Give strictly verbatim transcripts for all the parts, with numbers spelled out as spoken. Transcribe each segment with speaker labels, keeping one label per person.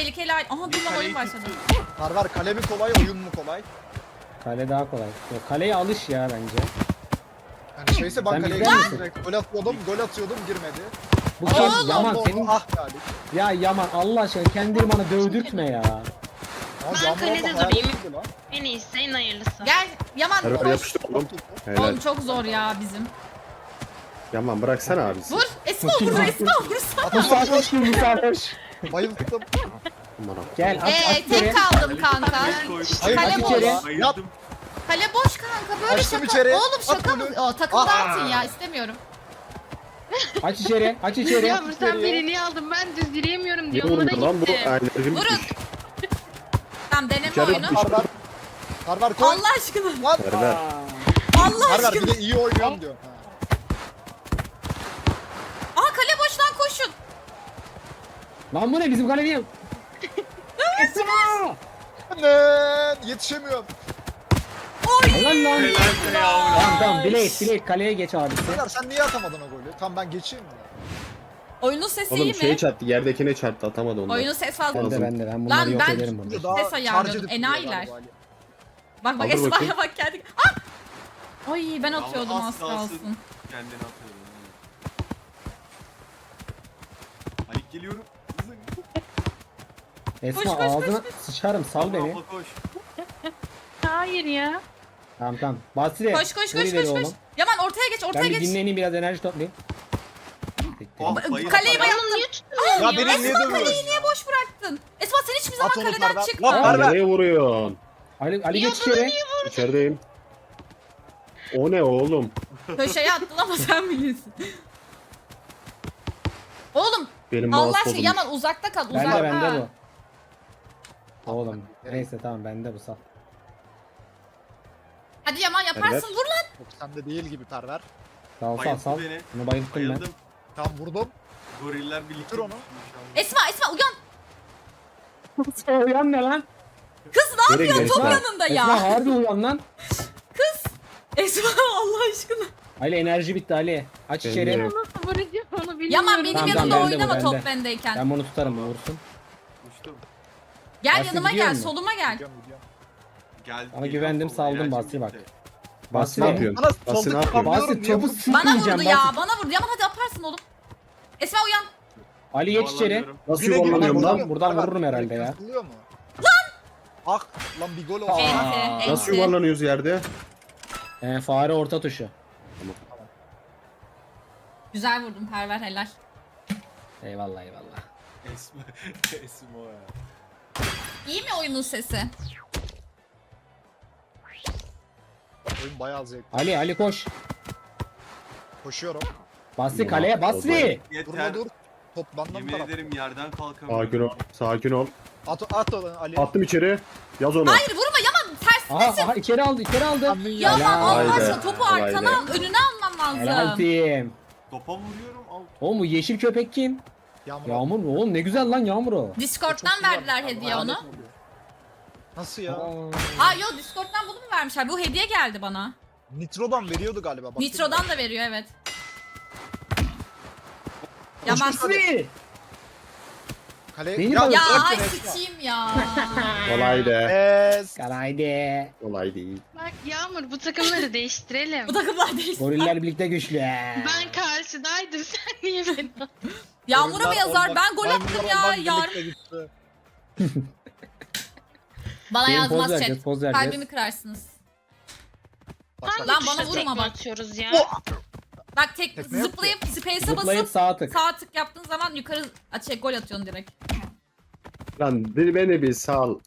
Speaker 1: tehlikeli. Aha dur lan oyun başladı.
Speaker 2: Perver kale mi kolay oyun mu kolay?
Speaker 3: Kale daha kolay. Yok, kaleye alış ya bence.
Speaker 2: Yani şeyse ben
Speaker 3: Sen
Speaker 2: kaleye
Speaker 3: bizden
Speaker 2: girdim
Speaker 3: misin?
Speaker 2: direkt. Gol atıyordum, gol atıyordum girmedi.
Speaker 3: Bu
Speaker 1: Oğlum!
Speaker 3: kim? Yaman
Speaker 2: Allah
Speaker 3: senin...
Speaker 2: Allah, ah yani.
Speaker 3: Ya Yaman Allah aşkına kendini bana dövdürtme ya.
Speaker 2: Ama
Speaker 4: Ben
Speaker 2: Yağmur
Speaker 4: kalede
Speaker 2: abla hayal
Speaker 4: durayım.
Speaker 2: etmedi lan.
Speaker 4: En iyisi en hayırlısı.
Speaker 1: Gel Yaman
Speaker 5: Perver
Speaker 1: koş.
Speaker 5: yapıştı oğlum. Helal.
Speaker 1: Oğlum çok zor ya bizim.
Speaker 5: Yaman bıraksana abisi.
Speaker 1: Vur. Esma vur. Esma vursa.
Speaker 3: Musa koş kim Musa koş.
Speaker 2: Bayıldım.
Speaker 5: Aman Allah'ım.
Speaker 3: Gel aç
Speaker 1: Eee
Speaker 3: aç içeri.
Speaker 1: tek kaldım kanka.
Speaker 2: Hayır
Speaker 1: Kale
Speaker 2: aç
Speaker 1: boş.
Speaker 2: içeri. Yat.
Speaker 1: Kale boş kanka böyle
Speaker 2: Açtım
Speaker 1: şaka.
Speaker 2: içeri.
Speaker 1: Oğlum şaka
Speaker 2: At
Speaker 1: mı?
Speaker 2: golü.
Speaker 1: O takımda
Speaker 2: Aa.
Speaker 1: atın ya istemiyorum.
Speaker 3: Aç içeri. Aç içeri.
Speaker 4: Yağmur sen birini aldın ben düz yürüyemiyorum
Speaker 5: Ne
Speaker 4: diyor ona
Speaker 5: vurdu lan bu?
Speaker 4: gitti.
Speaker 5: Enerjim
Speaker 1: Vurun.
Speaker 5: bitmiş.
Speaker 1: Tamam deneme
Speaker 5: İçeri
Speaker 1: oyunu.
Speaker 5: düştü.
Speaker 2: Perver. Perver koy.
Speaker 1: Allah aşkına.
Speaker 2: Lan.
Speaker 5: Perver.
Speaker 1: Allah
Speaker 2: Perver
Speaker 1: aşkına.
Speaker 2: bir de iyi oynuyorum diyor. Ha.
Speaker 1: Aa kale boş lan koşun.
Speaker 3: Lan bu ne bizim kale niye? Esma!
Speaker 2: Annen yetişemiyorum.
Speaker 3: Helal lan.
Speaker 6: Helal be yavrum.
Speaker 3: Tamam tamam Blade Blade kaleye geç abisi.
Speaker 2: Perver sen niye atamadın o golü? Tamam ben geçeyim mi?
Speaker 1: Oyunun sesi
Speaker 5: Oğlum
Speaker 1: iyi
Speaker 5: şey
Speaker 1: mi?
Speaker 5: çarptı, yerdekine çarptı, atamadı onu.
Speaker 1: Oyunun ses fazla.
Speaker 3: Ben de ben de ben bunları
Speaker 1: Lan
Speaker 3: yok
Speaker 1: ben-
Speaker 3: ederim burada.
Speaker 2: Daha
Speaker 1: Ses ayarlıyordum,
Speaker 2: charge edip
Speaker 1: enayiler.
Speaker 2: duruyor galiba.
Speaker 1: Bak bak
Speaker 5: Aldır
Speaker 1: Esma'ya
Speaker 5: bakayım.
Speaker 1: bak geldik. Ah! Ay ben atıyordum
Speaker 6: Ama
Speaker 1: az
Speaker 6: az kalsın.
Speaker 1: kalsın.
Speaker 6: Kendini atıyorum. Halik geliyorum. Hızlı.
Speaker 3: Esma
Speaker 1: Koş, koş,
Speaker 3: ağzına sıçarım sal
Speaker 6: Abla,
Speaker 3: beni.
Speaker 6: abla koş.
Speaker 4: Hayır ya.
Speaker 3: Tamam tamam. Basri.
Speaker 1: Koş koş
Speaker 3: vur
Speaker 1: koş
Speaker 3: ileri
Speaker 1: koş koş.
Speaker 3: oğlum.
Speaker 1: Yaman ortaya geç
Speaker 3: Ben
Speaker 1: ortaya
Speaker 3: bir
Speaker 1: geç.
Speaker 3: dinleneyim biraz enerji toplayayım.
Speaker 6: Oh,
Speaker 1: Ba-
Speaker 6: bayıldım.
Speaker 1: Kaleyi
Speaker 4: Ben
Speaker 1: bayağı...
Speaker 4: onu niye tutuyorum
Speaker 2: Ya
Speaker 4: ya?
Speaker 2: beni niye
Speaker 1: Esma
Speaker 2: dövüyorsun?
Speaker 1: kaleyi niye boş bıraktın? Esma sen hiçbir zaman
Speaker 2: At onu
Speaker 1: kaleden
Speaker 2: Perver.
Speaker 1: çıkma.
Speaker 2: Lan
Speaker 5: Lan
Speaker 2: Perver.
Speaker 5: nereye vuruyorsun?
Speaker 3: Ali, Ali
Speaker 4: Ya
Speaker 3: geç
Speaker 4: bana
Speaker 3: içeri.
Speaker 5: İçerideyim. O ne oğlum?
Speaker 1: Köşeye attın ama sen bilirsin. Oğlum
Speaker 5: Benim
Speaker 1: Allah
Speaker 5: mouse
Speaker 1: aşkına
Speaker 5: bozulmuş.
Speaker 1: Yaman uzakta kal
Speaker 3: Bende
Speaker 1: uzakta.
Speaker 3: bende bu. Oğlum neyse tamam bende bu sal.
Speaker 1: Hadi Yaman yaparsın
Speaker 5: Evet.
Speaker 1: vur lan.
Speaker 2: Yok sende değil gibi Perver.
Speaker 3: Sal sal
Speaker 6: Bayılttı
Speaker 3: sal.
Speaker 6: beni.
Speaker 3: Bunu bayılttım ben.
Speaker 6: Bayıldım.
Speaker 2: Tam vurdum.
Speaker 6: Goriller birlikte.
Speaker 2: Dur onu.
Speaker 1: Esma Esma uyan.
Speaker 3: Uyan ne lan?
Speaker 1: Kız ne
Speaker 5: Nereye
Speaker 1: yapıyorsun top
Speaker 5: gidiyorsun?
Speaker 1: yanında
Speaker 3: Esma
Speaker 1: ya.
Speaker 3: harbi uyan lan.
Speaker 1: Esma Allah aşkına.
Speaker 3: Ali enerji bitti Ali. Aç
Speaker 5: Ben
Speaker 3: içeri.
Speaker 5: de-
Speaker 4: Nasıl vuracağım onu bilmiyorum.
Speaker 1: Yaman benim
Speaker 3: Tamam,
Speaker 1: yanımda
Speaker 3: tamam, bende bu,
Speaker 1: oynama top
Speaker 3: bende.
Speaker 1: bendeyken.
Speaker 3: Ben bunu tutarım vursun.
Speaker 6: Uçtum.
Speaker 1: Gel
Speaker 3: Basri
Speaker 1: yanıma
Speaker 3: gidiyor
Speaker 1: gel
Speaker 3: mu?
Speaker 1: soluma gel.
Speaker 2: Gidiyorum gidiyorum.
Speaker 6: Geldi.
Speaker 3: Ama
Speaker 6: geliyor
Speaker 3: güvendim,
Speaker 6: sola,
Speaker 3: saldım,
Speaker 6: enerjim
Speaker 3: Basri bak.
Speaker 6: bitti.
Speaker 5: Basri
Speaker 3: Basri
Speaker 5: ne yapıyorsun?
Speaker 2: Bana
Speaker 5: Basri ne
Speaker 2: soldaki
Speaker 5: yapıyorsun?
Speaker 2: kamyon-
Speaker 3: Basri topu
Speaker 1: Bana
Speaker 3: sıkmayacağım.
Speaker 1: vurdu ya
Speaker 3: Basri.
Speaker 1: bana vurdu. Yaman hadi yaparsın oğlum. Esma uyan.
Speaker 3: Ali geç içeri.
Speaker 6: Yuvarlanıyorum.
Speaker 5: Nasıl
Speaker 2: Yine
Speaker 5: yuvarlanıyorum
Speaker 2: girdim,
Speaker 5: lan?
Speaker 2: buradan-
Speaker 3: Buradan
Speaker 2: Perver,
Speaker 3: vururum herhalde ya.
Speaker 2: yırtılıyor mu? Lan! Ah lan bir gol oldu.
Speaker 3: Aa.
Speaker 1: Enti,
Speaker 5: Nasıl
Speaker 1: enti.
Speaker 5: yuvarlanıyoruz yerde?
Speaker 3: Ee, fare orta tuşu.
Speaker 1: Güzel vurdun Perver helal.
Speaker 3: Eyvallah eyvallah.
Speaker 6: Esma. Esma ya.
Speaker 1: İyi mi oyunun sesi?
Speaker 2: Oyun bayağı zevkli.
Speaker 3: Ali Ali koş.
Speaker 2: Koşuyorum.
Speaker 3: Basri kaleye Basri.
Speaker 6: Yeter.
Speaker 2: Durma dur. Top benden
Speaker 6: Yemin
Speaker 2: taraf.
Speaker 6: ederim yerden kalkamıyorum.
Speaker 5: Sakin ol. Sakin ol.
Speaker 2: At at onu Ali.
Speaker 5: Attım içeri. Yaz onu.
Speaker 1: Hayır vurma Yaman
Speaker 3: Aha
Speaker 1: tersindesin.
Speaker 3: aha içeri aldı içeri aldı.
Speaker 2: Amin ya.
Speaker 1: Yaman
Speaker 3: Helal.
Speaker 1: Allah
Speaker 5: Haydi,
Speaker 1: aşkına topu
Speaker 5: haydi.
Speaker 1: arkana al önüne alman
Speaker 3: Helal
Speaker 1: lazım.
Speaker 3: team.
Speaker 6: Topa vuruyorum. Al.
Speaker 3: Oğlum bu yeşil köpek kim?
Speaker 2: Yağmur.
Speaker 3: Yağmur mu? Oğlum ne güzel lan Yağmur o.
Speaker 1: Discord'dan
Speaker 2: Çok güzel.
Speaker 1: verdiler hediye
Speaker 2: Lanet
Speaker 1: onu.
Speaker 2: oluyor. Nasıl ya?
Speaker 1: Aa yok Discord'dan bunu mu vermişler? Bu hediye geldi bana.
Speaker 2: Nitro'dan veriyordu galiba. Bak,
Speaker 1: Nitro'dan da veriyor evet. Yaman.
Speaker 3: Basri.
Speaker 2: Kale.
Speaker 3: Beni
Speaker 2: Ya,
Speaker 3: bak-
Speaker 1: Ya
Speaker 2: bırak
Speaker 1: ay
Speaker 2: beni Esma.
Speaker 1: sıçayım ya.
Speaker 5: Kolay de.
Speaker 2: Es.
Speaker 3: Kalaydı.
Speaker 5: Kolay değil.
Speaker 4: Bak Yağmur bu takımları değiştirelim.
Speaker 1: Bu takımlar değil.
Speaker 3: Goriller birlikte güçlü.
Speaker 4: Ben karşıdaydım sen niye beni attın?
Speaker 1: Yağmur'a mı
Speaker 2: Oyunlar
Speaker 1: yazar?
Speaker 2: olmak-
Speaker 1: Ben gol attım
Speaker 2: maymunlar
Speaker 1: ya.
Speaker 2: olmak
Speaker 1: Yar.
Speaker 2: birlikte gitti.
Speaker 1: Bana
Speaker 3: Benim poz
Speaker 1: yazmaz
Speaker 3: vereceğiz,
Speaker 1: chat.
Speaker 3: poz vereceğiz.
Speaker 1: Kalbimi kırarsınız.
Speaker 2: Bak, bak.
Speaker 1: Lan
Speaker 4: Hangi
Speaker 1: bana
Speaker 4: tuşla
Speaker 1: vurma
Speaker 4: tekme
Speaker 1: bak.
Speaker 4: atıyoruz ya?
Speaker 1: Bak tek
Speaker 2: Tekme yok
Speaker 1: zıplayıp space'e
Speaker 3: Zıplayıp
Speaker 1: basıp
Speaker 3: sağ tık.
Speaker 1: sağ tık yaptığın zaman yukarı şey gol atıyorsun direkt.
Speaker 5: Lan bir beni bir sal.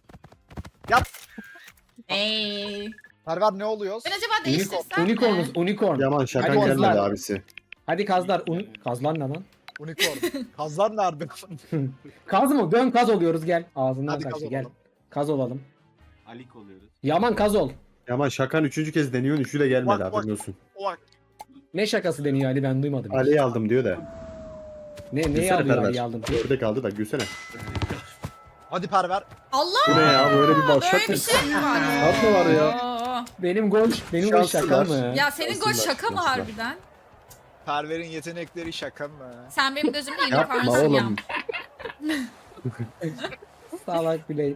Speaker 1: Eee.
Speaker 2: Perver ne oluyoruz?
Speaker 1: Ben acaba değiştirsem
Speaker 3: Unicornuz,
Speaker 1: mi?
Speaker 3: unicorn.
Speaker 5: Yaman şakan
Speaker 3: Hadi
Speaker 5: gelmedi
Speaker 3: kazlar.
Speaker 5: abisi.
Speaker 3: Hadi kazlar. Un... Kazlar ne lan?
Speaker 2: Unicorn. Kazlar nerede?
Speaker 3: Kaz mı? Dön kaz oluyoruz gel. Ağzından
Speaker 2: Hadi kaz
Speaker 3: kaçtı gel.
Speaker 2: olalım.
Speaker 3: Kaz olalım.
Speaker 6: Alik oluyoruz.
Speaker 3: Yaman kaz ol.
Speaker 5: Yaman şakan üçüncü kez deniyorsun. Üçü de gelmedi
Speaker 2: Bak, bak.
Speaker 5: haberin olsun.
Speaker 2: Bak.
Speaker 3: Ne şakası deniyor Ali ben duymadım. hiç.
Speaker 5: Ali'yi aldım diyor da.
Speaker 3: Ne neyi
Speaker 5: Gülsene
Speaker 3: alıyor
Speaker 5: Perver.
Speaker 3: Ali'yi aldım.
Speaker 5: Ördek aldı da gülsene.
Speaker 2: Hadi Perver.
Speaker 1: Allah!
Speaker 5: Bu ne ya böyle bir
Speaker 1: Böyle
Speaker 5: başlat
Speaker 1: bir
Speaker 5: mı?
Speaker 1: şey mi var?
Speaker 5: Şart mı var ya?
Speaker 1: Oo.
Speaker 3: Benim gol, benim gol şaka
Speaker 5: Şanslılar.
Speaker 3: mı?
Speaker 1: Ya senin gol
Speaker 5: Şanslılar,
Speaker 1: şaka mı
Speaker 5: şanslılar.
Speaker 1: harbiden?
Speaker 2: Perver'in yetenekleri şaka mı?
Speaker 1: Sen benim gözümde
Speaker 5: Yapma
Speaker 1: unicornsun ya.
Speaker 5: oğlum.
Speaker 3: Salak Blade.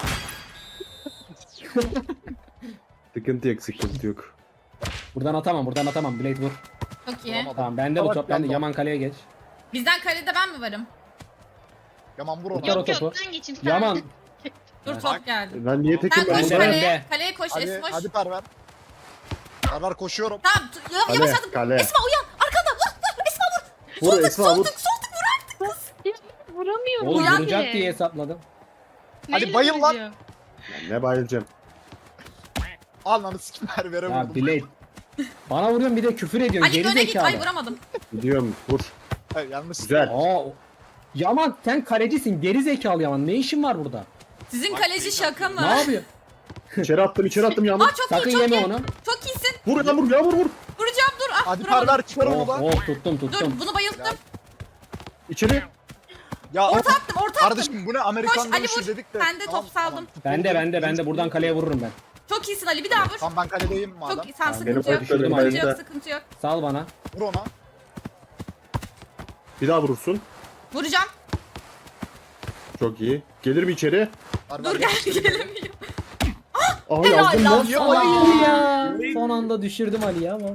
Speaker 5: Sıkıntı yok sıkıntı yok.
Speaker 3: Buradan atamam buradan atamam. Blade vur.
Speaker 1: Çok iyi.
Speaker 2: Vuramadım.
Speaker 3: Tamam bende bu
Speaker 2: Salak
Speaker 3: top. Bende
Speaker 2: yandı.
Speaker 3: Yaman kaleye geç.
Speaker 1: Bizden kalede ben mi varım?
Speaker 2: Yaman vur
Speaker 3: Yok,
Speaker 2: ona.
Speaker 3: yok.
Speaker 4: Yok
Speaker 3: topu.
Speaker 4: yok ben geçeyim. sen-
Speaker 3: Yaman.
Speaker 1: Dur
Speaker 3: Evet.
Speaker 1: top geldi.
Speaker 5: Ben niye tekim
Speaker 1: Sen
Speaker 5: ben
Speaker 1: koş
Speaker 3: de-
Speaker 5: burada?
Speaker 1: kaleye.
Speaker 3: de.
Speaker 1: Kaleye koş
Speaker 2: Hadi,
Speaker 1: Esmoş.
Speaker 2: hadi Perver. Perver koşuyorum.
Speaker 1: Tamam tu- ya-
Speaker 5: Kale,
Speaker 1: yavaşladım.
Speaker 5: kale.
Speaker 1: Esma uyan. Arkanda. Vur, vur, Esma vur.
Speaker 5: Vur Esma vur.
Speaker 1: Solduk solduk vur artık kız.
Speaker 4: Vuramıyorum.
Speaker 3: Oğlum
Speaker 1: Uyan
Speaker 3: vuracak
Speaker 4: bile.
Speaker 3: diye hesapladım.
Speaker 2: Hadi
Speaker 4: Neyle
Speaker 2: bayıl lan.
Speaker 4: vuracağım?
Speaker 5: Ne bayılacağım.
Speaker 2: Al lan sikim Perver'e
Speaker 3: Ya
Speaker 2: vurdum.
Speaker 3: Blade. Bana vuruyorsun bir de küfür ediyorsun.
Speaker 1: Ali
Speaker 3: Geri
Speaker 1: öne git. Ay
Speaker 3: zekalı.
Speaker 1: vuramadım.
Speaker 5: Gidiyorum vur.
Speaker 2: Hayır, yanlış.
Speaker 5: Güzel.
Speaker 3: Aa, o- Yaman sen kalecisin. Geri zekalı Yaman. Ne işin var burada?
Speaker 1: Sizin
Speaker 6: Bak,
Speaker 1: kaleci
Speaker 6: şey
Speaker 1: şaka mı?
Speaker 3: Ne yapıyor?
Speaker 5: İçeri attım içeri attım Yağmur.
Speaker 1: Aa çok
Speaker 3: Sakın
Speaker 1: iyi çok
Speaker 3: yeme
Speaker 1: iyi.
Speaker 3: onu.
Speaker 1: Çok iyisin.
Speaker 5: Vur Yağmur Yağmur vur.
Speaker 1: Vuracağım dur. Ah
Speaker 2: Hadi
Speaker 1: vuramadım.
Speaker 2: Perver çıkarım
Speaker 3: Oh,
Speaker 2: onu.
Speaker 3: oh tuttum
Speaker 1: Dur
Speaker 3: tuttum.
Speaker 1: bunu bayılttım.
Speaker 5: İçeri.
Speaker 2: Ya
Speaker 1: Orta attım orta attım.
Speaker 2: kardeşim bu ne Amerikan
Speaker 1: Koş, Ali
Speaker 2: dövüşü
Speaker 1: vur.
Speaker 2: dedik de.
Speaker 1: Ben de top saldım.
Speaker 3: Bende bende bende buradan kaleye vururum ben.
Speaker 1: Çok iyisin Ali bir daha vur.
Speaker 2: Tamam ben kaledeyim madem.
Speaker 1: Çok iyi. Sen
Speaker 3: Tamam,
Speaker 1: sıkıntı
Speaker 5: benim
Speaker 1: yok.
Speaker 5: başlarım
Speaker 1: Sıkıntı
Speaker 5: elinde.
Speaker 1: yok sıkıntı yok.
Speaker 3: Sal bana.
Speaker 2: Vur ona.
Speaker 5: Bir daha vurursun.
Speaker 1: Vuracağım.
Speaker 5: Çok iyi. Gelir mi içeri?
Speaker 2: Perver
Speaker 1: Dur gel
Speaker 2: yapıştır.
Speaker 1: gelemiyor.
Speaker 5: Aha
Speaker 1: Helal
Speaker 5: yazdım
Speaker 1: lan
Speaker 5: lan.
Speaker 1: sana.
Speaker 3: Hayır ya. Son anda düşürdüm Ali'yi ama.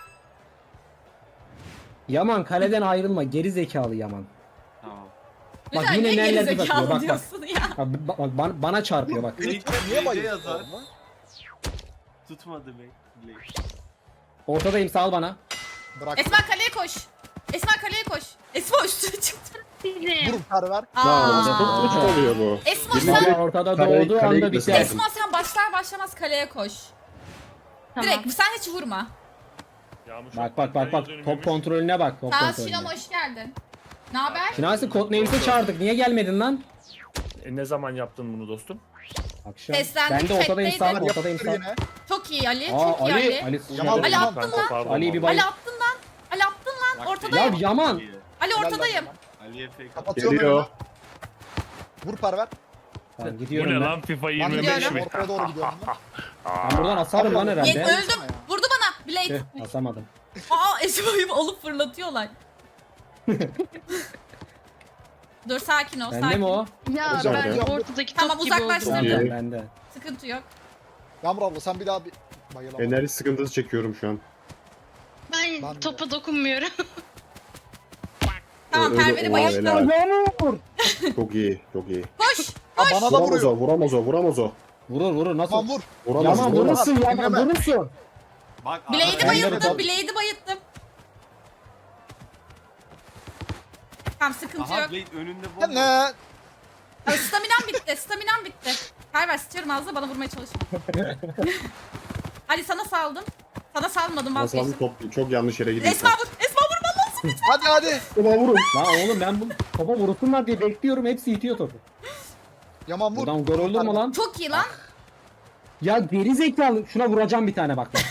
Speaker 3: Yaman kaleden ayrılma. Geri zekalı Yaman.
Speaker 6: Tamam.
Speaker 3: Bak
Speaker 1: Güzel,
Speaker 3: yine
Speaker 1: niye
Speaker 3: neler
Speaker 1: gerizekalı
Speaker 3: bakıyor, bak, bak.
Speaker 1: diyorsun ya.
Speaker 3: Bak, bak, bak, bana, bana çarpıyor bak.
Speaker 2: Beni
Speaker 6: Niye
Speaker 2: niye bayıldı?
Speaker 6: yazar? Tutmadı be.
Speaker 3: Ortadayım sal bana.
Speaker 2: Bırak.
Speaker 1: Esma kaleye koş. Esma kaleye koş. Esma üstüne çıktı.
Speaker 2: Vur Perver.
Speaker 5: Ya
Speaker 1: Aa.
Speaker 5: çok uç oluyor bu.
Speaker 1: Esma
Speaker 5: Yemin
Speaker 1: sen
Speaker 5: ederim.
Speaker 3: Ortada
Speaker 5: Kale-
Speaker 3: doğduğu
Speaker 5: kaleye
Speaker 3: anda
Speaker 5: gitmesi
Speaker 3: biter.
Speaker 5: lazım.
Speaker 1: Esma sen başlar başlamaz kaleye koş.
Speaker 4: Tamam.
Speaker 1: Direkt sen hiç vurma.
Speaker 3: Bak bak bak bak top kontrolüne bak top
Speaker 1: Sağ
Speaker 3: kontrolüne.
Speaker 1: Şinom hoş geldin. Ne haber?
Speaker 3: Şinasi Codenames'e çağırdık. Niye gelmedin lan?
Speaker 7: E, ne zaman yaptın bunu dostum?
Speaker 3: Akşam.
Speaker 1: Seslendik,
Speaker 3: Ben de ortadayım sağ,
Speaker 1: chatteydim.
Speaker 3: ortadayım sağ.
Speaker 2: Yine.
Speaker 1: Çok iyi Ali.
Speaker 3: Aa
Speaker 1: Çok iyi
Speaker 3: Ali,
Speaker 1: Ali.
Speaker 3: Ali.
Speaker 2: Yaman-
Speaker 1: Ali attın
Speaker 7: Kanka,
Speaker 1: lan.
Speaker 7: pardon
Speaker 3: Ali'yi bir
Speaker 7: ama.
Speaker 3: bay-
Speaker 1: Ali attın lan. Ali attın lan.
Speaker 3: Ya
Speaker 1: Ortadayım.
Speaker 3: Yaman.
Speaker 1: Ali
Speaker 2: Helal lan
Speaker 1: ortadayım.
Speaker 2: Yaman.
Speaker 6: Ali'ye fake at.
Speaker 2: Kapatıyorum
Speaker 5: Geliyor.
Speaker 2: önümü. Vur Perver.
Speaker 3: Tamam
Speaker 7: Bu
Speaker 3: gidiyorum
Speaker 7: ne
Speaker 3: ben.
Speaker 7: lan FIFA
Speaker 2: Ben
Speaker 7: yirmi beş
Speaker 1: gidiyorum.
Speaker 7: mi?
Speaker 2: Ortaya doğru gidiyorum. ben.
Speaker 3: Ben buradan asarım lan
Speaker 1: Ye-
Speaker 3: herhalde.
Speaker 1: öldüm. Vurdu bana. Blade.
Speaker 3: Tüh, asamadım.
Speaker 1: Aa Esma'yı alıp fırlatıyorlar. Dur sakin ol
Speaker 3: Bende
Speaker 1: sakin.
Speaker 3: mi o?
Speaker 4: Ya
Speaker 2: Hocam,
Speaker 4: ben
Speaker 2: hocam.
Speaker 4: ortadaki
Speaker 1: Tamam,
Speaker 4: top gibi
Speaker 1: uzaklaştırdım.
Speaker 4: oldum.
Speaker 3: Tamam
Speaker 5: İyi.
Speaker 3: bende.
Speaker 1: Sıkıntı yok.
Speaker 2: Yağmur abla sen bir daha bir bayıl ama.
Speaker 5: Enerji sıkıntısı çekiyorum şu an.
Speaker 4: Ben
Speaker 2: Ben de.
Speaker 4: topa dokunmuyorum.
Speaker 1: Tamam
Speaker 5: Öyle-
Speaker 1: Perver'i
Speaker 5: Oha,
Speaker 1: bayılttım.
Speaker 5: helal.
Speaker 3: Yağmur.
Speaker 5: Çok iyi çok iyi.
Speaker 1: Koş.
Speaker 2: Ha, bana da
Speaker 5: Vuramaz
Speaker 2: vuruyor.
Speaker 5: o vuramaz o vuramaz o.
Speaker 3: Vurur vurur nasıl?
Speaker 2: Tamam vur.
Speaker 5: Vuramaz
Speaker 3: Yaman
Speaker 5: vuramaz.
Speaker 3: vurursun Yaman
Speaker 2: Dinleme.
Speaker 3: vurursun.
Speaker 6: Bak
Speaker 1: Blade'i
Speaker 3: Ben de
Speaker 1: bayılttım.
Speaker 3: bu-
Speaker 1: Blade'i bayılttım. Tamam sıkıntı
Speaker 6: Aha
Speaker 1: yok.
Speaker 6: Blade önünde
Speaker 2: Ya
Speaker 6: bomba.
Speaker 2: ne?
Speaker 1: Aa, Staminam bitti. Staminam bitti. Perver sıçıyorum ağzına bana vurmaya çalışma. Ali sana saldım. Sana salmadım
Speaker 5: Nasıl
Speaker 1: vazgeçtim.
Speaker 5: top çok yanlış yere gidiyor.
Speaker 1: Esma vur. Esma vurman lazım.
Speaker 2: Hadi hadi.
Speaker 5: Ulan vurun.
Speaker 3: Lan oğlum ben bu topa vursunlar diye bekliyorum hepsi itiyor topu.
Speaker 2: Yaman vur.
Speaker 3: Buradan gol olur mu lan?
Speaker 1: Çok iyi lan.
Speaker 3: Ya geri zekalı şuna vuracağım bir tane bak. bak.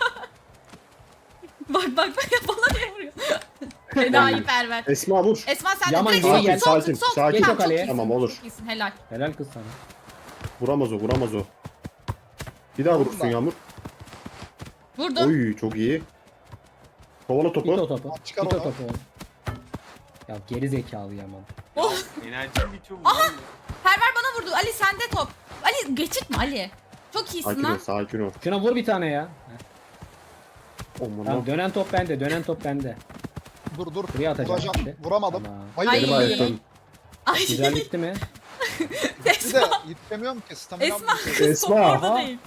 Speaker 1: Bak bak bak bana niye vuruyor? Enayi Perver.
Speaker 5: Esma vur.
Speaker 1: Esma sen de
Speaker 3: Yaman
Speaker 1: direkt
Speaker 3: geri
Speaker 1: sol
Speaker 3: gel.
Speaker 1: sol
Speaker 5: Sakin,
Speaker 1: sol.
Speaker 5: sakin.
Speaker 3: Geç o
Speaker 1: Tamam, çok
Speaker 3: kaleye.
Speaker 1: iyisin,
Speaker 5: Tamam, olur.
Speaker 1: Çok iyisin helal.
Speaker 3: Helal kız sana.
Speaker 5: Vuramaz o vuramaz o. Bir daha vurursun
Speaker 2: ben.
Speaker 5: Yağmur.
Speaker 1: Vurdum.
Speaker 5: Oy çok iyi. Kovala
Speaker 3: İt o
Speaker 5: topu.
Speaker 3: topu.
Speaker 2: Çıkar
Speaker 3: İt o
Speaker 2: onu.
Speaker 3: topu. Ya geri zekalı Yaman.
Speaker 1: Oh.
Speaker 6: Enerjim bitiyor mu?
Speaker 1: Aha!
Speaker 6: lan?
Speaker 1: Perver bana vurdu. Ali sende top. Ali geçirtme Ali. Çok iyisin
Speaker 5: Sakin ol
Speaker 1: lan.
Speaker 5: sakin ol.
Speaker 3: Şuna vur bir tane ya.
Speaker 5: Aman
Speaker 3: Tamam
Speaker 5: ha.
Speaker 3: dönen top bende dönen top bende.
Speaker 2: Dur dur.
Speaker 3: Buraya atacağım
Speaker 2: Vuracağım.
Speaker 3: şimdi.
Speaker 2: Vuramadım.
Speaker 3: Tamam.
Speaker 2: Bayıl.
Speaker 1: Ay.
Speaker 5: Beni bayılttın.
Speaker 1: Ay.
Speaker 3: Güzel gitti mi?
Speaker 2: Bir de
Speaker 1: Esma.
Speaker 2: yetişemiyorum ki. Stamina
Speaker 1: Esma.
Speaker 2: bitiyor.
Speaker 1: Kız top
Speaker 5: Esma,
Speaker 1: orada
Speaker 3: aha.
Speaker 1: değil.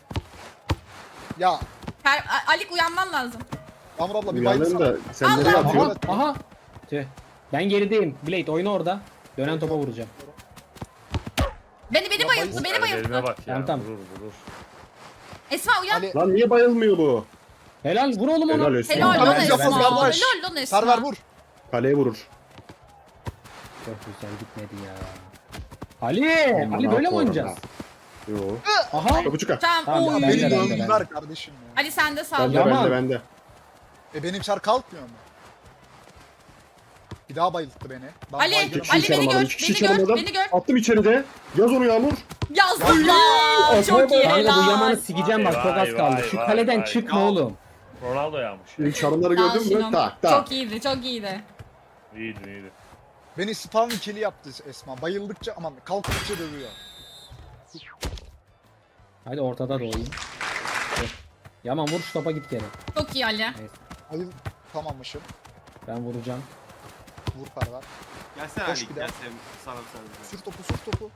Speaker 2: Ya
Speaker 1: Per A- Alik uyanman lazım.
Speaker 2: Yağmur abla bir
Speaker 5: Uyandım
Speaker 2: bayılsana.
Speaker 5: da sen nereye
Speaker 1: Allah.
Speaker 5: atıyorsun?
Speaker 3: Aha aha. Tüh. Ben gerideyim. Blade oyna orada. Dönen topa vuracağım.
Speaker 1: Beni beni
Speaker 2: Ya
Speaker 1: bayılttı. Beni
Speaker 7: Ellerine
Speaker 1: bayılttı.
Speaker 7: bak ya.
Speaker 3: Tamam, tamam.
Speaker 7: Vurur vurur.
Speaker 1: Esma uyan.
Speaker 2: Ali.
Speaker 5: Lan niye bayılmıyor bu?
Speaker 3: Helal vur oğlum onu.
Speaker 5: Helal olsun.
Speaker 1: Helal
Speaker 2: Tamam,
Speaker 1: lan
Speaker 2: yapalım
Speaker 1: Esma.
Speaker 2: kardeş.
Speaker 1: Helal lan Esma.
Speaker 2: Perver vur.
Speaker 5: Kaleye vurur.
Speaker 3: Çok güzel gitmedi ya. Ali!
Speaker 5: Aman
Speaker 3: Ali böyle mi
Speaker 5: ha,
Speaker 3: oynayacağız?
Speaker 5: Yo.
Speaker 3: Aha!
Speaker 5: Topu çıkar.
Speaker 1: Tamam.
Speaker 3: Tamam,
Speaker 1: Oy.
Speaker 3: ben de,
Speaker 2: Beni
Speaker 3: ben de,
Speaker 2: döndüler
Speaker 3: ben de.
Speaker 2: kardeşim ya.
Speaker 1: Ali sen de sal.
Speaker 5: Bende
Speaker 3: Yaman.
Speaker 5: bende bende.
Speaker 2: E benim şar kalkmıyor mu? Bir daha bayılttı beni. Ben
Speaker 1: Ali,
Speaker 2: bayılırım.
Speaker 5: kişi
Speaker 1: Ali beni
Speaker 5: çalamadım,
Speaker 1: gör,
Speaker 5: iki kişi
Speaker 1: beni gör,
Speaker 5: çalamadım.
Speaker 1: beni gör.
Speaker 5: Attım içeride. Yaz onu Yağmur.
Speaker 1: Yazdım lan. Çok iyi
Speaker 3: Kanka bu
Speaker 1: helal.
Speaker 3: Yaman'ı sikeceğim bak çok az
Speaker 7: Vay,
Speaker 3: kaldı.
Speaker 7: vay,
Speaker 3: Şu
Speaker 7: vay,
Speaker 3: kaleden
Speaker 7: vay.
Speaker 3: çıkma
Speaker 6: Ya.
Speaker 3: oğlum.
Speaker 7: Ronaldo yağmış.
Speaker 5: İlk çarımları
Speaker 1: Sağ ol
Speaker 5: gördün mü?
Speaker 1: Şinom.
Speaker 5: Tak tak.
Speaker 1: Çok iyiydi, çok iyiydi.
Speaker 7: İyiydi iyiydi.
Speaker 2: Beni spawn ikili yaptı Esma. Bayıldıkça aman kalktıkça dövüyor.
Speaker 3: Hadi ortada doğayım. Yaman vur şu topa git geri.
Speaker 1: Çok iyi Ali.
Speaker 3: Neyse.
Speaker 2: Bayıl tamammışım.
Speaker 3: Ben vuracağım.
Speaker 2: Vur Perver.
Speaker 6: Gelsene
Speaker 2: Koş
Speaker 6: Ali
Speaker 2: bir daha.
Speaker 6: gelsene sana sarılacağım.
Speaker 2: Sür topu sür topu.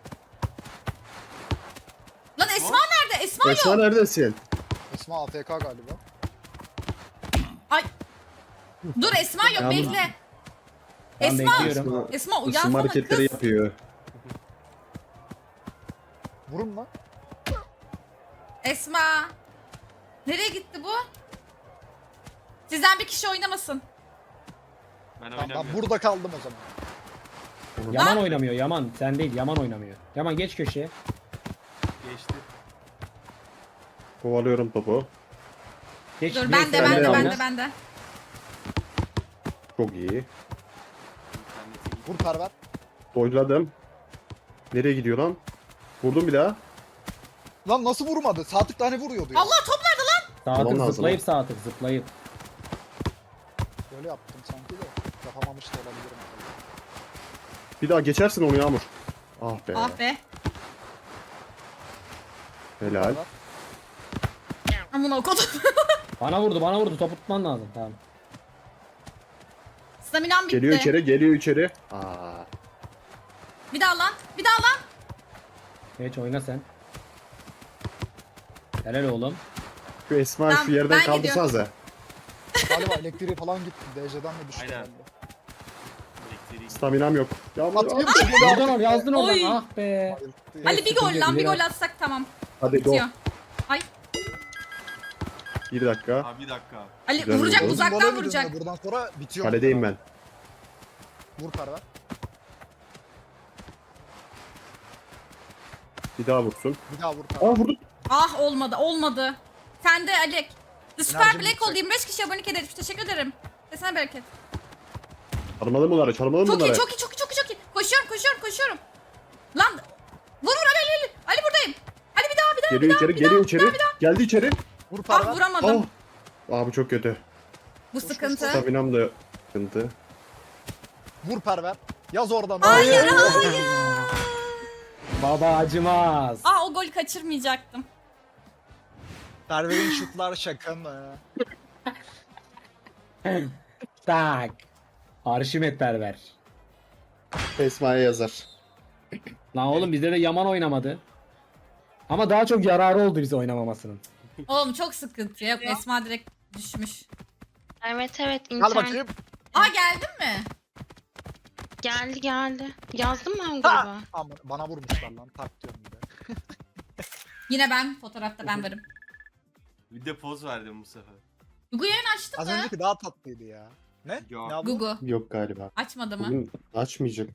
Speaker 1: Lan Esma nerede? Esma
Speaker 5: Esma
Speaker 1: yok.
Speaker 5: neredesin?
Speaker 2: Esma A F K galiba.
Speaker 1: Ay. Dur Esma yok
Speaker 3: Yalnız-
Speaker 1: bekle.
Speaker 3: Ben
Speaker 1: Esma.
Speaker 3: bekliyorum.
Speaker 1: Esma
Speaker 5: Isınma
Speaker 1: uyansana
Speaker 5: hareketleri
Speaker 1: kız.
Speaker 5: yapıyor.
Speaker 2: Vurun lan.
Speaker 1: Esma. Nereye gitti bu? Sizden bir kişi oynamasın.
Speaker 6: Ben
Speaker 2: Tamam ben
Speaker 6: oynamıyorum.
Speaker 2: burada kaldım o zaman.
Speaker 3: Yaman oynamıyor Yaman. Sen değil Yaman oynamıyor. Yaman geç köşeye.
Speaker 6: Geçti.
Speaker 5: Kovalıyorum topu.
Speaker 3: Geç,
Speaker 1: Dur
Speaker 3: geç,
Speaker 1: ben de
Speaker 3: sen
Speaker 1: ben de
Speaker 3: oyna.
Speaker 1: ben de ben de.
Speaker 5: Çok iyi.
Speaker 6: İnternete git.
Speaker 2: Vur Perver.
Speaker 5: Doyladım. Nereye gidiyor lan? Vurdum bir daha.
Speaker 2: Lan nasıl vurmadı? Sağ tık tane vuruyordu ya.
Speaker 1: Allah top nerede lan?
Speaker 3: Sağ
Speaker 5: Tamam
Speaker 3: tık
Speaker 5: lazım
Speaker 3: zıplayıp
Speaker 5: ha.
Speaker 3: sağ tık zıplayıp.
Speaker 2: Böyle yaptım sanki de. Yapamamış da olabilirim.
Speaker 5: Bir daha geçersin onu Yağmur. Ah be.
Speaker 1: Ah be.
Speaker 5: Helal.
Speaker 2: Perver.
Speaker 1: Amına okudum.
Speaker 3: Bana vurdu bana vurdu topu tutman lazım tamam.
Speaker 1: Staminam bitti.
Speaker 5: Geliyor içeri, geliyor içeri. Aa.
Speaker 1: Bir daha lan. Bir daha lan.
Speaker 3: Geç oyna sen. Helal oğlum.
Speaker 5: Şu Esma
Speaker 1: Tamam,
Speaker 5: şu yerden
Speaker 1: ben
Speaker 5: kaldırsanıza.
Speaker 2: Galiba elektriği falan gitti. D J'den mi düştü?
Speaker 6: Aynen.
Speaker 2: herhalde?
Speaker 6: Elektriği.
Speaker 5: Staminam yok. Yağmur.
Speaker 2: Atayım
Speaker 5: at.
Speaker 2: da böyle
Speaker 3: Yazdın onu yazdın oradan
Speaker 1: Oy.
Speaker 3: ah be.
Speaker 2: bayılttı ya.
Speaker 1: Ali bir gol
Speaker 3: sıkıntı
Speaker 1: lan bir
Speaker 3: yok,
Speaker 1: gol atsak tamam.
Speaker 5: Hadi go.
Speaker 1: Bitiyor. Ay
Speaker 5: Bir dakika.
Speaker 6: Abi bir dakika.
Speaker 1: Ali
Speaker 5: Güzel
Speaker 1: vuracak
Speaker 5: oldu.
Speaker 2: Uzun gola
Speaker 1: uzaktan
Speaker 2: gidiyor
Speaker 1: vuracak.
Speaker 2: ya, buradan sonra bitiyor.
Speaker 5: Kaledeyim ben.
Speaker 2: Vur Perver.
Speaker 5: Bir daha vursun.
Speaker 2: Bir daha vur Perver.
Speaker 5: Aa vurdum.
Speaker 1: Ah olmadı olmadı. Sen de Ali. The Super
Speaker 2: Enerjim
Speaker 1: Black
Speaker 2: yüksek.
Speaker 1: oldu yirmi beş kişi abonelik edilmiş. Teşekkür ederim. Desene bereket.
Speaker 5: Çalmalı bunları, çalmalı
Speaker 1: Çok
Speaker 5: bunları.
Speaker 1: iyi çok iyi çok iyi çok iyi çok iyi. Koşuyorum koşuyorum koşuyorum. Lan vur vur Ali Ali Ali. Ali buradayım. Ali bir daha bir daha
Speaker 5: Geliyor
Speaker 1: bir daha
Speaker 5: içeri,
Speaker 1: bir daha.
Speaker 5: geliyor içeri. Geldi içeri.
Speaker 2: Vur
Speaker 1: Ah
Speaker 2: Perver.
Speaker 1: vuramadım.
Speaker 5: Oh. Aa bu çok kötü.
Speaker 1: Bu sıkıntı.
Speaker 5: Staminam da sıkıntı.
Speaker 2: Vur Perver. Yaz oradan.
Speaker 1: Hayır hayır.
Speaker 3: Baba acımaz.
Speaker 1: Aa o golü kaçırmayacaktım.
Speaker 2: Perver'in şutlar şaka mı?
Speaker 3: Tak. Arşimet perver.
Speaker 5: Esma'ya yazar.
Speaker 3: Lan oğlum bizde de Yaman oynamadı. Ama daha çok yararı oldu bize oynamamasının.
Speaker 1: Oğlum çok sıkıntı. Yok Esma direkt düşmüş.
Speaker 4: Evet evet
Speaker 2: Gel
Speaker 4: internet
Speaker 2: bakayım.
Speaker 1: Aa geldin mi?
Speaker 4: geldi geldi. Yazdım ben
Speaker 2: Ha!
Speaker 4: gruba.
Speaker 2: Aman bana vurmuşlar lan. Tak diyorum bir de.
Speaker 1: Yine ben fotoğrafta ben varım.
Speaker 6: Bir de poz verdim bu sefer.
Speaker 1: Gugu yayın açtı
Speaker 2: Az
Speaker 1: mı?
Speaker 2: önceki daha tatlıydı ya. Ne?
Speaker 6: Yok.
Speaker 2: Ne abla?
Speaker 1: Gugu
Speaker 5: Yok galiba.
Speaker 1: açmadı mı?
Speaker 5: Bugün açmayacak.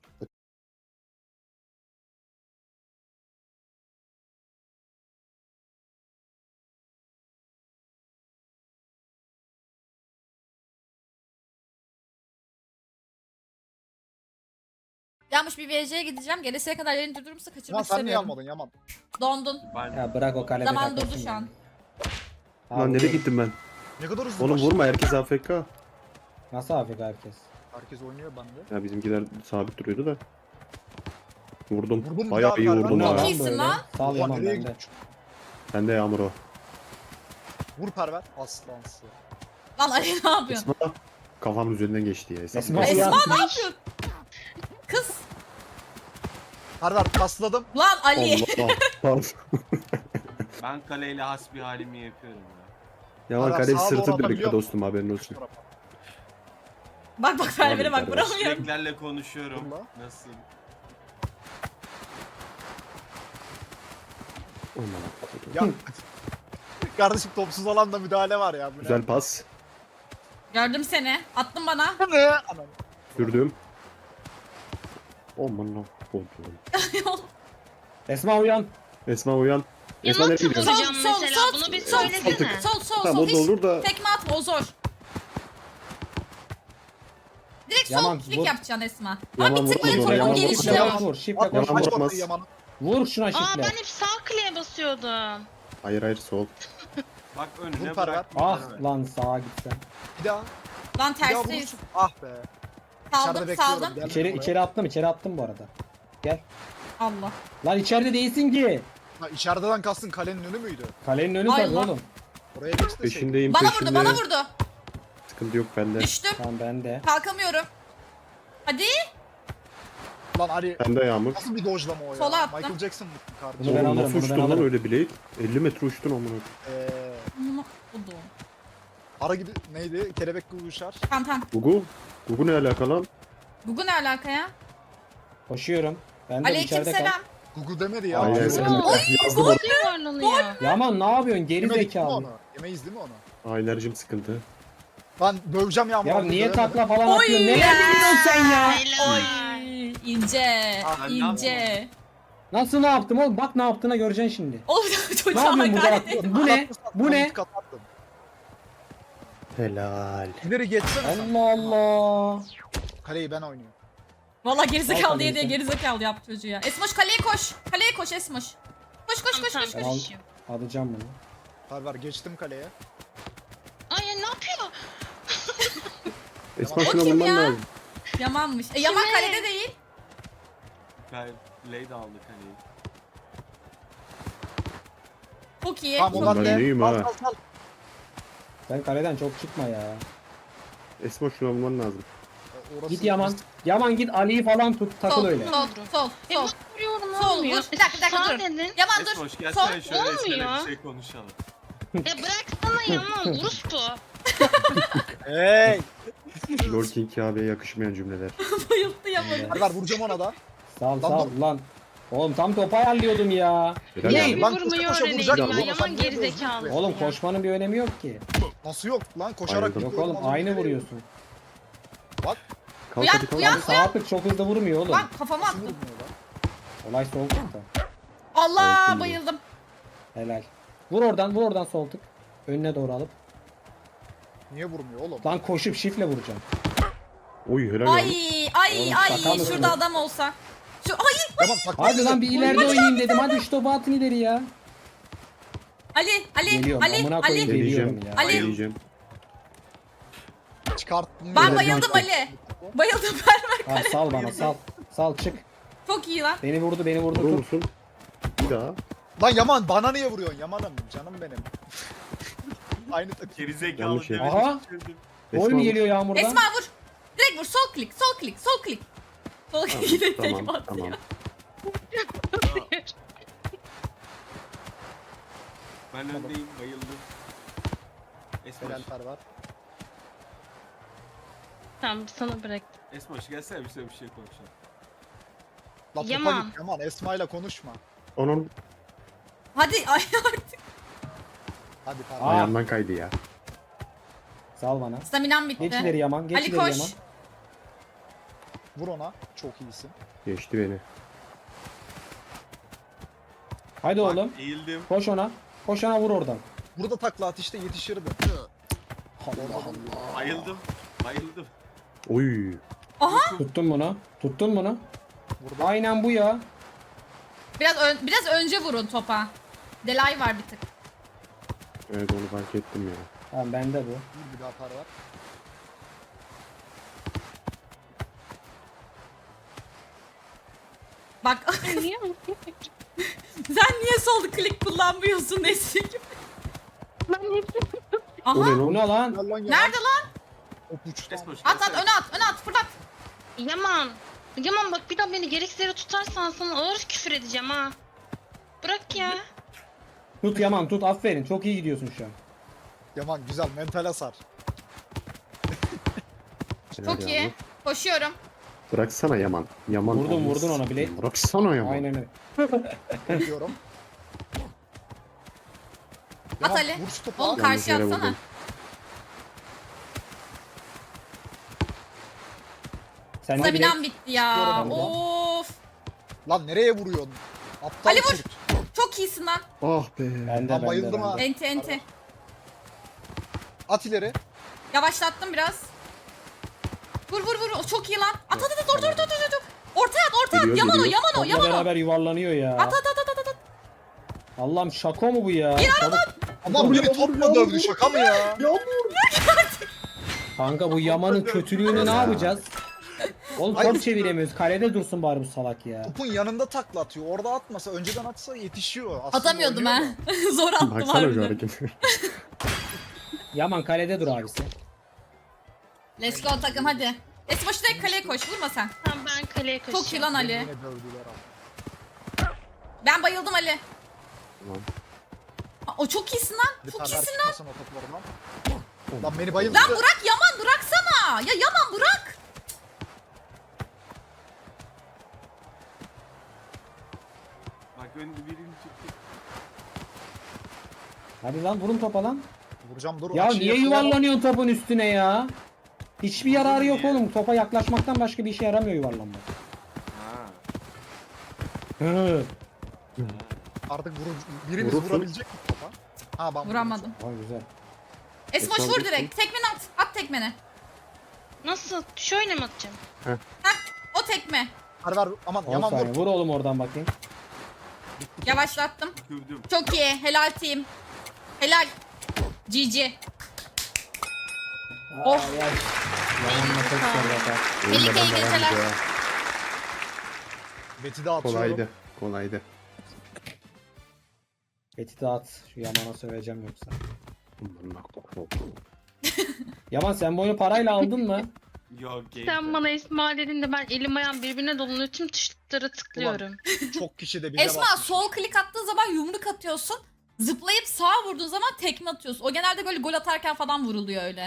Speaker 1: Yanmış bir V C'ye gideceğim. Gelesiye kadar yayını durdurursa
Speaker 2: Yaman
Speaker 1: kaçırmak
Speaker 2: sen niye
Speaker 1: istemiyorum.
Speaker 2: almadın Yaman?
Speaker 1: Dondun.
Speaker 6: Ben
Speaker 3: Ya bırak o kalede
Speaker 1: Zaman
Speaker 3: takılsın
Speaker 1: durdu şu
Speaker 3: ya.
Speaker 1: an.
Speaker 5: Lan nereye gittim ben?
Speaker 2: Ne kadar hızlı
Speaker 5: Oğlum
Speaker 2: başladı.
Speaker 5: vurma, herkes A F K.
Speaker 3: Nasıl afk herkes?
Speaker 2: Herkes oynuyor bende.
Speaker 5: Ya bizimkiler sabit duruyordu da. Vurdum.
Speaker 2: Vurdum,
Speaker 5: Bayağı
Speaker 2: bir
Speaker 5: iyi
Speaker 2: daha
Speaker 5: vurdum
Speaker 2: Perver.
Speaker 5: ha.
Speaker 1: Çok iyisin
Speaker 3: böyle.
Speaker 1: lan.
Speaker 3: Sal
Speaker 2: Ulan
Speaker 3: Yaman
Speaker 2: nereye
Speaker 3: bende.
Speaker 2: gitmiş?
Speaker 5: Sen de Yağmur o.
Speaker 2: Vur Perver. Aslansı.
Speaker 1: Lan Ali ne yapıyorsun?
Speaker 5: Esma kafamın üzerinden geçti ya.
Speaker 3: Esma
Speaker 1: Esma
Speaker 3: uyan.
Speaker 1: ne yapıyorsun? Kız.
Speaker 2: Perver pasladım.
Speaker 1: Lan Ali.
Speaker 5: Allah Allah.
Speaker 6: ben kaleyle hasbi halimi yapıyorum ya.
Speaker 5: Yaman
Speaker 2: Adam
Speaker 5: kaleyi
Speaker 2: sağa doğru
Speaker 5: sırtı
Speaker 2: atabiliyor
Speaker 5: birlikte
Speaker 2: musun?
Speaker 5: dostum, haberin olsun.
Speaker 1: Bak bak Perver'e bak
Speaker 5: Tabii,
Speaker 1: vuramıyorum.
Speaker 6: Süreklerle konuşuyorum.
Speaker 2: Dur lan.
Speaker 6: Nasıl?
Speaker 5: Aman
Speaker 2: Ya. Kardeşim topsuz alanda müdahale var ya. Bu ne?
Speaker 5: Güzel pas.
Speaker 1: Gördüm seni. Attın bana.
Speaker 2: Ne? Anam.
Speaker 5: Sürdüm. Aman Allah'ım.
Speaker 3: Esma uyan.
Speaker 5: Esma uyan.
Speaker 4: Ya
Speaker 5: Esma nereye
Speaker 4: nasıl
Speaker 5: gidiyorsun?
Speaker 4: vuracağım
Speaker 1: Sol, sol,
Speaker 4: mesela?
Speaker 1: sol,
Speaker 4: Bunu bir
Speaker 1: sol,
Speaker 4: söylesene.
Speaker 1: Sol sol
Speaker 5: Tamam
Speaker 1: sol.
Speaker 5: o da
Speaker 1: Hiç
Speaker 5: olur da.
Speaker 1: tekme atma o zor. Direkt sol
Speaker 3: Yaman,
Speaker 1: klik
Speaker 3: vur.
Speaker 1: yapacaksın Esma.
Speaker 5: Yaman
Speaker 1: Ama bir tık
Speaker 5: vur,
Speaker 1: böyle
Speaker 5: vur,
Speaker 1: topun
Speaker 5: Yaman vur,
Speaker 1: gelişi
Speaker 5: vur.
Speaker 1: yok.
Speaker 3: Vur. Şifle
Speaker 2: At,
Speaker 3: koş.
Speaker 5: Yaman
Speaker 2: aç
Speaker 5: vurmaz.
Speaker 2: bakayı Yaman'ı.
Speaker 3: Vur şuna
Speaker 4: Aa
Speaker 3: şifle.
Speaker 4: ben hep sağ kliğe basıyordum.
Speaker 5: Hayır hayır sol.
Speaker 6: Bak
Speaker 2: Vur
Speaker 6: önüne
Speaker 2: Perver.
Speaker 6: bırak.
Speaker 3: Ah lan sağa gitsen.
Speaker 2: Bir daha.
Speaker 1: Lan
Speaker 2: Bir daha
Speaker 1: tersteyiz.
Speaker 2: vurursun. Ah be.
Speaker 1: Saldım
Speaker 2: İçeride bekliyorum.
Speaker 1: saldım.
Speaker 2: Gelme
Speaker 3: İçeri,
Speaker 2: buraya.
Speaker 3: içeri attım içeri attım bu arada. Gel.
Speaker 1: Allah.
Speaker 3: Lan içeride değilsin ki.
Speaker 2: Ha, içeriden kastın kalenin önü müydü?
Speaker 3: Kalenin önü
Speaker 1: Ay
Speaker 3: tabii
Speaker 1: Allah.
Speaker 3: oğlum.
Speaker 2: Oraya geç de
Speaker 5: Peşindeyim
Speaker 1: Bana
Speaker 5: peşinde.
Speaker 1: vurdu bana vurdu.
Speaker 5: Sıkıntı yok bende.
Speaker 1: Düştüm.
Speaker 3: Tamam ben de.
Speaker 1: Kalkamıyorum. Hadi.
Speaker 2: Lan Ali
Speaker 5: Bende Yağmur.
Speaker 2: nasıl bir dojlama o ya?
Speaker 1: Sola attım.
Speaker 2: Michael Jackson mı
Speaker 3: Bunu
Speaker 2: kardeşim?
Speaker 3: ben
Speaker 5: Oğlum
Speaker 3: alırım,
Speaker 5: nasıl
Speaker 3: bunu ben
Speaker 5: uçtun lan
Speaker 3: alırım.
Speaker 5: öyle Blade? elli metre uçtun amına.
Speaker 2: Eee
Speaker 1: Bunu oldu.
Speaker 2: ara gibi neydi? Kelebek gibi uçar.
Speaker 1: Tamam tamam.
Speaker 5: Gugu. Gugu ne alaka lan?
Speaker 1: Google ne alaka ya?
Speaker 3: Koşuyorum. Ben de içeride kal.
Speaker 1: Aleykümselam.
Speaker 2: Gugu demedi ya.
Speaker 5: Aynen
Speaker 2: Aa,
Speaker 5: sen
Speaker 2: yemeyiz
Speaker 5: de yazdım orada.
Speaker 4: Yuvarlanıyor.
Speaker 3: Yaman ne yapıyorsun geri
Speaker 2: değil mi
Speaker 3: zekalı.
Speaker 2: onu? Yemeyiz değil mi onu?
Speaker 5: Aa, enerjim sıkıntı.
Speaker 2: Ben döveceğim Yağmur.
Speaker 3: Ya
Speaker 2: abi,
Speaker 3: niye
Speaker 2: dövemedim.
Speaker 3: takla falan
Speaker 1: Oy
Speaker 3: atıyorsun?
Speaker 1: ya.
Speaker 3: Neler biliyorsun sen ya?
Speaker 4: Helal.
Speaker 1: Oy, ince,
Speaker 6: Aa, ben ne
Speaker 1: ince.
Speaker 3: Nasıl ne yaptım oğlum? Bak ne yaptığına göreceksin şimdi.
Speaker 1: Oğlum
Speaker 3: Ne
Speaker 1: çocuğa
Speaker 3: yapıyorsun burada?
Speaker 1: hakaret et.
Speaker 3: Bu ne? Bu ne?
Speaker 2: Kapattım.
Speaker 5: Helal.
Speaker 2: İleri geçsene sen.
Speaker 3: Allah Allah.
Speaker 2: Kaleyi ben oynuyorum.
Speaker 1: Valla gerizekalı
Speaker 3: Al
Speaker 1: diye diye
Speaker 3: kaleci.
Speaker 1: gerizekalı yaptı çocuğu ya. Esmoş kaleye koş. Kaleye koş Esmoş. Koş koş koş koş.
Speaker 4: Tamam,
Speaker 3: Al.
Speaker 1: koş.
Speaker 4: tamam.
Speaker 3: Alacağım bunu.
Speaker 2: Var var geçtim kaleye.
Speaker 4: Ay ya ne yapıyor?
Speaker 5: Esma
Speaker 1: O
Speaker 5: şuna
Speaker 1: kim
Speaker 5: bulman
Speaker 1: ya?
Speaker 5: lazım.
Speaker 1: Yamanmış. E Yaman
Speaker 4: Kime?
Speaker 1: kalede değil.
Speaker 6: Ben Blade aldı kaleyi.
Speaker 1: Çok iyi.
Speaker 2: Tamam
Speaker 5: Ulan
Speaker 2: ulan
Speaker 5: ben
Speaker 2: de.
Speaker 5: iyiyim
Speaker 2: Al
Speaker 5: ha.
Speaker 2: al al.
Speaker 3: Sen kaleden çok çıkma ya.
Speaker 5: Esma şuna bulman lazım.
Speaker 2: E, orası-
Speaker 3: Git Yaman. Yaman git Ali'yi falan tut takıl
Speaker 1: Sol,
Speaker 3: öyle.
Speaker 1: sol, sol,
Speaker 4: E
Speaker 1: sol.
Speaker 4: bak vuruyorum
Speaker 1: Sol,
Speaker 4: olmuyor.
Speaker 1: vur. Bir dakika, bir dakika,
Speaker 4: Sağ
Speaker 1: dur.
Speaker 4: dedin.
Speaker 1: Yaman dur.
Speaker 6: Esmoş
Speaker 1: Sol.
Speaker 6: gelsene şöyle
Speaker 4: olmuyor.
Speaker 6: şöyle bir şey konuşalım.
Speaker 4: E bıraksana Yaman orospu.
Speaker 2: Hey.
Speaker 5: Lord King abiye yakışmayan cümleler.
Speaker 1: Bayıldı Yaman'ı.
Speaker 2: Var var vuracağım ona da.
Speaker 3: Sal
Speaker 2: Lan
Speaker 3: sal lan. Oğlum tam topu ayarlıyordum ya.
Speaker 5: Helal
Speaker 3: Niye?
Speaker 5: yani.
Speaker 4: Bir
Speaker 2: Lan
Speaker 4: vurmayı
Speaker 2: koşa koşa
Speaker 4: öğreneyim
Speaker 2: vuracak
Speaker 4: ya.
Speaker 2: ya.
Speaker 4: Yaman
Speaker 2: Sen niye
Speaker 4: geri
Speaker 2: vuruyorsun?
Speaker 4: zekalı.
Speaker 3: Oğlum koşmanın bir önemi yok ki.
Speaker 2: Nasıl yok lan koşarak
Speaker 5: Bayıldım.
Speaker 3: Yok
Speaker 2: gidiyorum,
Speaker 3: oğlum
Speaker 2: az
Speaker 3: aynı
Speaker 2: önce
Speaker 3: vuruyorsun.
Speaker 2: Bak
Speaker 5: Kalk
Speaker 1: Uyan,
Speaker 5: hadi kalk.
Speaker 1: uyan.
Speaker 3: Abi sağ attık çok hızlı vurmuyor oğlum.
Speaker 1: Bak kafama
Speaker 2: nasıl
Speaker 1: attı.
Speaker 2: vurmuyor lan?
Speaker 3: Olay sol tıkta.
Speaker 1: Allah
Speaker 5: Korktum.
Speaker 1: bayıldım.
Speaker 3: Helal. Vur oradan vur oradan sol tık. Önüne doğru alıp.
Speaker 2: Niye vurmuyor oğlum?
Speaker 3: Lan koşup şifle vuracağım.
Speaker 5: Oy helal yani.
Speaker 1: Ay ay
Speaker 3: Oğlum,
Speaker 1: ay
Speaker 3: şaka mısın?
Speaker 1: şurada adam olsa. Şu ay
Speaker 2: Tamam bak.
Speaker 3: Hadi lan bir ileride oynayayım dedim. Hadi şu topu atın ileri ya.
Speaker 1: Ali Ali
Speaker 3: Geliyorum
Speaker 1: Ali
Speaker 3: amına koyayım
Speaker 1: Ali.
Speaker 3: geliyorum
Speaker 5: Geleceğim.
Speaker 3: ya.
Speaker 1: Ali.
Speaker 5: Geleceğim.
Speaker 2: Çıkarttım.
Speaker 1: Ben
Speaker 2: ya.
Speaker 1: bayıldım Ali. Bayıldım ben.
Speaker 3: Al sal bana sal. Sal çık.
Speaker 1: Çok iyi lan.
Speaker 3: Beni vurdu beni vurdu
Speaker 5: Vurur
Speaker 3: tut.
Speaker 5: musun? Bir daha.
Speaker 2: Lan Yaman bana niye vuruyorsun Yaman'ım canım benim. Aynı takım.
Speaker 6: Gerizekalı
Speaker 5: Yanlış yer.
Speaker 6: demedim.
Speaker 3: Aha. Gol mü geliyor Yağmur'dan?
Speaker 1: Esma vur. Direkt vur. Sol klik. Sol klik. Sol klik. Sol klik. Yine tek
Speaker 5: Tamam
Speaker 1: attı
Speaker 5: tamam.
Speaker 1: ya.
Speaker 6: Ben öndeyim bayıldım. Esmoş,
Speaker 2: Helal Fervar.
Speaker 4: Tamam sana bıraktım.
Speaker 6: Esmoş gelsene bir şey bir şey konuşalım.
Speaker 2: La topa
Speaker 4: Yaman.
Speaker 2: git Yaman Esma'yla konuşma.
Speaker 5: Onun
Speaker 1: Hadi ay artık.
Speaker 2: Hadi
Speaker 3: Aa.
Speaker 2: Fervar.
Speaker 5: ayağından kaydı ya.
Speaker 3: Sal bana.
Speaker 1: Staminam
Speaker 3: Geç
Speaker 1: bitti.
Speaker 3: ileri Yaman. Geç
Speaker 1: Ali
Speaker 3: ileri
Speaker 1: koş.
Speaker 3: Yaman.
Speaker 2: Vur ona. Çok iyisin.
Speaker 5: Geçti beni.
Speaker 3: Hadi
Speaker 6: Bak,
Speaker 3: oğlum.
Speaker 6: eğildim.
Speaker 3: Koş ona. Koş ona vur oradan.
Speaker 2: Burada takla at işte yetişirdi. Allah Allah.
Speaker 6: Bayıldım. Bayıldım.
Speaker 5: Oy.
Speaker 3: Tuttun bunu. Tuttun bunu.
Speaker 2: Burada.
Speaker 3: Aynen bu ya.
Speaker 1: Biraz ön- biraz önce vurun topa. Delay var bir tık.
Speaker 5: Evet onu fark ettim ya.
Speaker 3: Tamam bende bu.
Speaker 2: Vur bir daha Fervar.
Speaker 1: Bak
Speaker 4: Niye?
Speaker 1: sen niye sol klik kullanmıyorsun Nesli gibi?
Speaker 5: O
Speaker 1: Aha.
Speaker 5: ne lan?
Speaker 3: Bu ne lan?
Speaker 2: Gel lan Yaman.
Speaker 1: Nerede lan?
Speaker 2: Hop uçtu.
Speaker 6: Esmoş
Speaker 1: At at
Speaker 6: gelsene.
Speaker 1: öne at öne at fırlat.
Speaker 4: Yaman. Yaman bak bir daha beni gereksiz yere tutarsan sana ağır küfür edeceğim ha. Bırak ya.
Speaker 3: Tut Yaman tut aferin. Çok iyi gidiyorsun şu an.
Speaker 2: Yaman güzel mental hasar.
Speaker 5: Helal
Speaker 1: Çok
Speaker 5: ya.
Speaker 1: iyi. Koşuyorum.
Speaker 5: Bıraksana Yaman. Yaman.
Speaker 3: Vurdun,
Speaker 5: olmaz.
Speaker 3: vurdun ona bile.
Speaker 5: Bıraksana Yaman.
Speaker 3: Aynen öyle.
Speaker 2: Diyorum.
Speaker 1: At
Speaker 2: Yaman,
Speaker 1: Ali.
Speaker 2: Vur şu topu.
Speaker 1: Oğlum
Speaker 2: abi.
Speaker 5: Yanlış
Speaker 1: karşıya
Speaker 5: yere
Speaker 1: atsana.
Speaker 5: vurdum.
Speaker 3: Sen de
Speaker 1: Staminam
Speaker 3: bile.
Speaker 1: bitti ya.
Speaker 2: Çıkıyorum buradan.
Speaker 1: Of.
Speaker 2: Lan nereye vuruyorsun? Aptal
Speaker 1: Ali vur.
Speaker 2: kurt.
Speaker 1: Çok iyisin lan.
Speaker 5: Ah be.
Speaker 3: Bende
Speaker 2: Lan
Speaker 3: bende.
Speaker 2: bayıldım ha.
Speaker 3: bende.
Speaker 1: Enti enti.
Speaker 2: At ileri.
Speaker 1: Yavaşlattım biraz. Vur vur vur. Çok iyi lan. At at at orta orta orta orta. Ortaya at ortaya at.
Speaker 5: Geliyor,
Speaker 1: Yaman o
Speaker 5: geliyor.
Speaker 1: yaman o
Speaker 3: Topla
Speaker 1: yaman o.
Speaker 3: beraber yuvarlanıyor ya.
Speaker 1: At at at at at at.
Speaker 3: Allah'ım şako mu bu ya? Çabuk.
Speaker 2: Adam beni topla dövdü şaka mı ya?
Speaker 3: Kanka bu Yaman'ın kötülüğünü ne yapacağız? Oğlum
Speaker 2: Hayır.
Speaker 3: top çeviremiyoruz. Kalede dursun bari bu salak ya.
Speaker 2: Topun yanında takla atıyor. Orada atmasa, önceden atsa yetişiyor. Aslında
Speaker 1: Atamıyordum
Speaker 2: oynuyor
Speaker 1: ha.
Speaker 2: da.
Speaker 1: Zor attım
Speaker 5: Baksana şu
Speaker 1: harbiden.
Speaker 5: hareketi.
Speaker 3: Yaman kalede dur abisi.
Speaker 1: Let's go takım hadi. Esma şu direkt kaleye koş vurma sen.
Speaker 4: Tamam ben kaleye koşacağım.
Speaker 1: Çok iyi lan Ali.
Speaker 2: Yine dövdüler abi.
Speaker 1: Ben bayıldım Ali.
Speaker 5: Tamam.
Speaker 1: Aa, o çok iyisin lan.
Speaker 2: Bir
Speaker 1: Çok
Speaker 2: perver
Speaker 1: iyisin lan.
Speaker 2: çıkmasın o toplarından. Lan beni bayıldı.
Speaker 1: Lan Burak Yaman bıraksana. Ya Yaman bırak.
Speaker 6: Bak önde birini çıktı.
Speaker 3: Hadi lan vurun topa lan.
Speaker 2: Vuracağım dur.
Speaker 3: Ya
Speaker 2: açıyı
Speaker 3: niye
Speaker 2: yakalayamam.
Speaker 3: yuvarlanıyorsun topun üstüne ya? Hiçbir yararı yok oğlum. Topa yaklaşmaktan başka bir işe yaramıyor yuvarlanmak.
Speaker 6: Ha.
Speaker 3: Hı.
Speaker 2: Artık vuru, birimiz
Speaker 5: Vurursun.
Speaker 2: vurabilecek mi topa? Ha ben
Speaker 1: Vuramadım.
Speaker 3: Vay güzel.
Speaker 1: Esma
Speaker 5: Esma
Speaker 1: vur
Speaker 5: vursun.
Speaker 1: direkt. Tekmeni at. At tekmeni.
Speaker 4: Nasıl? Şöyle mi atacağım?
Speaker 1: O tekme.
Speaker 2: Ver ver aman
Speaker 3: on
Speaker 2: yaman
Speaker 3: saniye.
Speaker 2: vur.
Speaker 3: Vur oğlum oradan bakayım.
Speaker 1: Yavaşlattım.
Speaker 6: Tükürdüm.
Speaker 1: Çok iyi. Helal team. Helal. G G. Oh.
Speaker 3: Ay, ay. Yamanla çok zor bakar.
Speaker 1: Melike, iyi
Speaker 5: Oyunlardan devam
Speaker 1: geceler.
Speaker 5: ediyor.
Speaker 2: Beti de atıyorum.
Speaker 5: Kolaydı. Kolaydı.
Speaker 3: Eti dağıt. Şu Yaman'a söveceğim yoksa.
Speaker 5: Aman bak.
Speaker 3: Yaman sen bu oyunu parayla aldın mı?
Speaker 6: Yok game.
Speaker 4: Sen bana Esma dedin de ben elim ayağım birbirine dolanıyor. Tüm tuşlara tıklıyorum.
Speaker 2: Çok kişi de bize
Speaker 1: Esma
Speaker 2: bak.
Speaker 1: sol klik attığın zaman yumruk atıyorsun. Zıplayıp sağa vurduğun zaman tekme atıyorsun. O genelde böyle gol atarken falan vuruluyor öyle.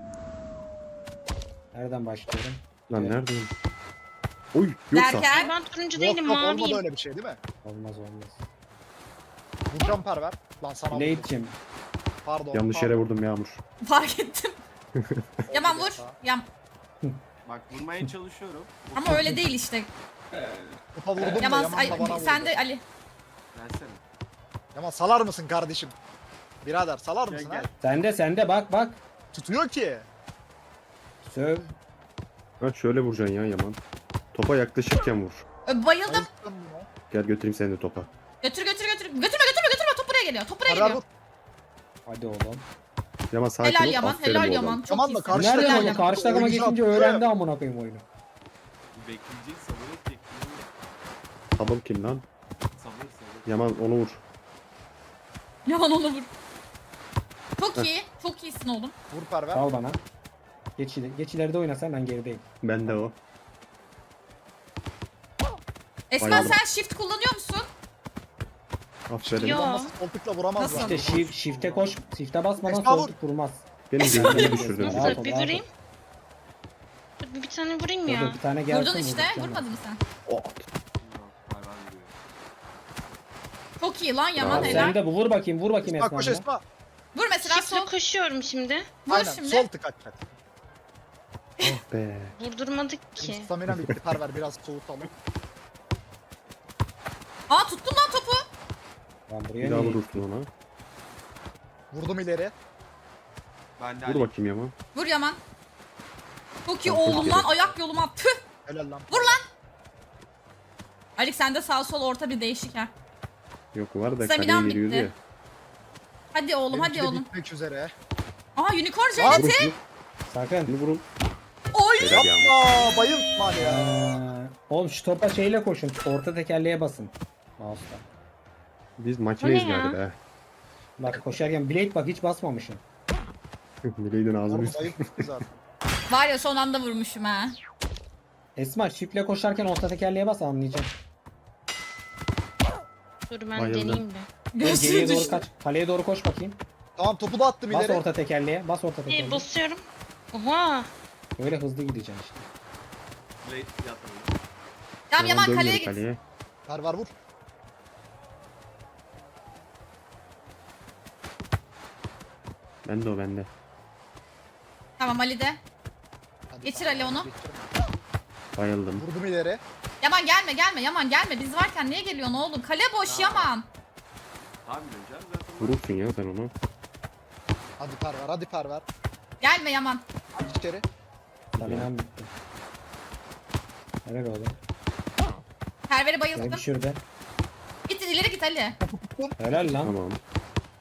Speaker 3: Nereden başlıyorum?
Speaker 5: Lan neredeyim? Oy yoksa.
Speaker 1: Derken
Speaker 4: Ben turuncu
Speaker 2: Yok
Speaker 4: değilim
Speaker 2: yok olmadı
Speaker 4: maviyim.
Speaker 2: öyle bir şey değil mi?
Speaker 3: Olmaz olmaz.
Speaker 2: Vuracağım perver. Lan sana vurdum.
Speaker 3: Blade'cim.
Speaker 2: Pardon.
Speaker 5: Yanlış
Speaker 2: pardon.
Speaker 5: yere vurdum Yağmur.
Speaker 1: fark ettim. Yaman vur. Yam.
Speaker 6: Bak vurmaya çalışıyorum.
Speaker 1: Ama öyle değil işte.
Speaker 2: Topa vurdum da
Speaker 1: Yaman,
Speaker 2: Yaman
Speaker 1: ay,
Speaker 2: da bana
Speaker 1: sen
Speaker 2: vurdu.
Speaker 1: de Ali.
Speaker 6: Versene.
Speaker 2: Yaman salar mısın kardeşim? Birader salar
Speaker 6: Gel
Speaker 2: mısın
Speaker 6: gel.
Speaker 2: ha?
Speaker 3: Sende sende bak bak.
Speaker 2: Tutuyor ki.
Speaker 3: Söv.
Speaker 5: Ha şöyle vuracaksın ya Yaman. Topa yaklaşırken vur.
Speaker 1: Ö, Bayıldım.
Speaker 2: Bayılttım bunu.
Speaker 5: Gel götüreyim seni de topa.
Speaker 1: Götür götür götür. Götürme götürme götürme. Top buraya geliyor. Top buraya
Speaker 2: Perver
Speaker 1: geliyor.
Speaker 2: vur.
Speaker 3: Hadi oğlum.
Speaker 5: Yaman sakin
Speaker 1: Helal
Speaker 5: ol.
Speaker 1: Yaman.
Speaker 5: Aferin
Speaker 1: Helal
Speaker 5: oğlum.
Speaker 1: Yaman. Çok
Speaker 2: Yaman da
Speaker 1: iyisin.
Speaker 2: karşı
Speaker 3: Nereden
Speaker 2: takım-
Speaker 1: Helal
Speaker 3: oğlum?
Speaker 1: Yaman.
Speaker 3: Karşı takıma
Speaker 2: Oyuncu
Speaker 3: geçince
Speaker 2: attı.
Speaker 3: öğrendi amına koyayım oyunu.
Speaker 6: Bekleyecek sabır et bekliyor.
Speaker 5: Tabım kim lan?
Speaker 6: Sabır sabır.
Speaker 5: Yaman onu vur.
Speaker 1: Yaman onu vur. Çok iyi. Çok iyisin oğlum.
Speaker 2: Vur perver.
Speaker 3: Al bana. Geç, ileri- geç ileride oynasan ben gerideyim.
Speaker 5: Ben de o.
Speaker 1: Esma
Speaker 5: Bayıldım.
Speaker 1: sen shift kullanıyor musun?
Speaker 5: Aferin.
Speaker 4: Yo.
Speaker 2: Nasıl koltukla vuramazlar.
Speaker 1: Nasıl?
Speaker 3: İşte shift, shift'e koş. Shift'e basmadan
Speaker 2: Esma vur.
Speaker 3: koltuk vurmaz.
Speaker 5: Benim gözümü düşürdün.
Speaker 3: Rahat
Speaker 4: Nasıl?
Speaker 3: ol,
Speaker 4: Bir
Speaker 3: rahat ol.
Speaker 4: vurayım. Dur, bir tane vurayım
Speaker 3: Dur,
Speaker 4: ya.
Speaker 3: dur, bir tane gelsin.
Speaker 1: Vurdun işte.
Speaker 3: vurduracağım ben.
Speaker 1: Vurmadın mı sen?
Speaker 5: Oh.
Speaker 6: Yok hayvan vuruyor.
Speaker 1: Çok iyi lan Yaman
Speaker 5: Bravo.
Speaker 1: helal.
Speaker 3: Sen de bu vur bakayım vur bakayım
Speaker 2: Esma
Speaker 3: Esma.
Speaker 2: koş
Speaker 3: bana.
Speaker 2: Esma.
Speaker 1: Vur mesela
Speaker 4: Shift'le
Speaker 1: sol.
Speaker 4: koşuyorum şimdi.
Speaker 1: Vur
Speaker 2: Aynen
Speaker 1: şimdi.
Speaker 2: sol tık atacak.
Speaker 5: Oh be.
Speaker 4: Vurdurmadık ki.
Speaker 2: Benim stamina bitti perver biraz soğutalım.
Speaker 1: Aa tuttum lan topu.
Speaker 3: Ben buraya
Speaker 5: Bir daha
Speaker 3: niye?
Speaker 5: vurursun ona.
Speaker 2: Vurdum ileri.
Speaker 6: Ben de
Speaker 5: Vur
Speaker 6: Ali.
Speaker 5: bakayım Yaman.
Speaker 1: Vur Yaman. Çok iyi
Speaker 5: Tamam,
Speaker 1: oğlum
Speaker 5: çok
Speaker 1: lan.
Speaker 5: iyi.
Speaker 1: Ayak yoluma. Tüh.
Speaker 2: Helal lan.
Speaker 1: Vur lan. Alik sende sağ sol orta bir değişik ha.
Speaker 5: Yok var da
Speaker 1: Staminam
Speaker 5: kaleye giriyordu
Speaker 1: bitti.
Speaker 5: ya.
Speaker 1: Hadi oğlum
Speaker 2: Benimki
Speaker 1: hadi
Speaker 2: de
Speaker 1: oğlum.
Speaker 2: bitmek üzere.
Speaker 1: Aha unicorn
Speaker 2: Lan!
Speaker 1: jenneti.
Speaker 5: Vurun şunu.
Speaker 3: Sakın.
Speaker 5: Şunu vurun.
Speaker 1: Oy.
Speaker 5: Helal Yaman.
Speaker 2: Aa bayıltma hadi ya.
Speaker 3: Ee, oğlum şu topa şeyle koşun. Orta tekerleğe basın. Mouse'la.
Speaker 5: Biz makineyiz
Speaker 4: O ne ya?
Speaker 5: galiba.
Speaker 3: Bak koşarken Blade bak hiç basmamışım.
Speaker 5: Mileydin ağzını
Speaker 2: Oğlum
Speaker 5: üstü.
Speaker 2: bayılttı zaten.
Speaker 1: Var ya son anda vurmuşum ha.
Speaker 3: Esma shift'le koşarken orta tekerleğe bas anlayacağım.
Speaker 4: Dur ben
Speaker 5: Bayıldım.
Speaker 4: deneyeyim bir.
Speaker 3: Geriye
Speaker 1: Göğsü
Speaker 3: doğru
Speaker 1: düştü.
Speaker 3: kaç. Kaleye doğru koş bakayım.
Speaker 2: Tamam topu da attım
Speaker 3: Bas
Speaker 2: ileri.
Speaker 3: orta tekerleğe. Bas orta
Speaker 4: İyi
Speaker 3: tekerleğe.
Speaker 4: basıyorum. Oha.
Speaker 3: Böyle hızlı gideceksin işte.
Speaker 6: Blade yatırdı.
Speaker 1: Tamam Yaman
Speaker 5: dön
Speaker 1: kaleye
Speaker 5: geri
Speaker 1: git.
Speaker 5: kaleye.
Speaker 2: Perver vur.
Speaker 5: Ben de o bende.
Speaker 1: Tamam Ali de.
Speaker 2: Hadi
Speaker 1: Geçir
Speaker 2: perver,
Speaker 1: Ali onu.
Speaker 2: geçir.
Speaker 5: Bayıldım.
Speaker 2: Vurdum ileri.
Speaker 1: Yaman gelme gelme Yaman gelme. Biz varken niye geliyorsun oğlum? Kale boş Yaman.
Speaker 6: Tabii hocam zaten.
Speaker 5: Vurursun ya sen onu.
Speaker 2: Hadi perver hadi perver.
Speaker 1: Gelme Yaman.
Speaker 2: Hadi içeri.
Speaker 3: Staminam bitti. Evet oğlum.
Speaker 1: Perver'i
Speaker 3: Gel
Speaker 1: bayılttım.
Speaker 3: bir şurada.
Speaker 1: Git ileri git Ali.
Speaker 3: Helal lan.
Speaker 5: Tamam.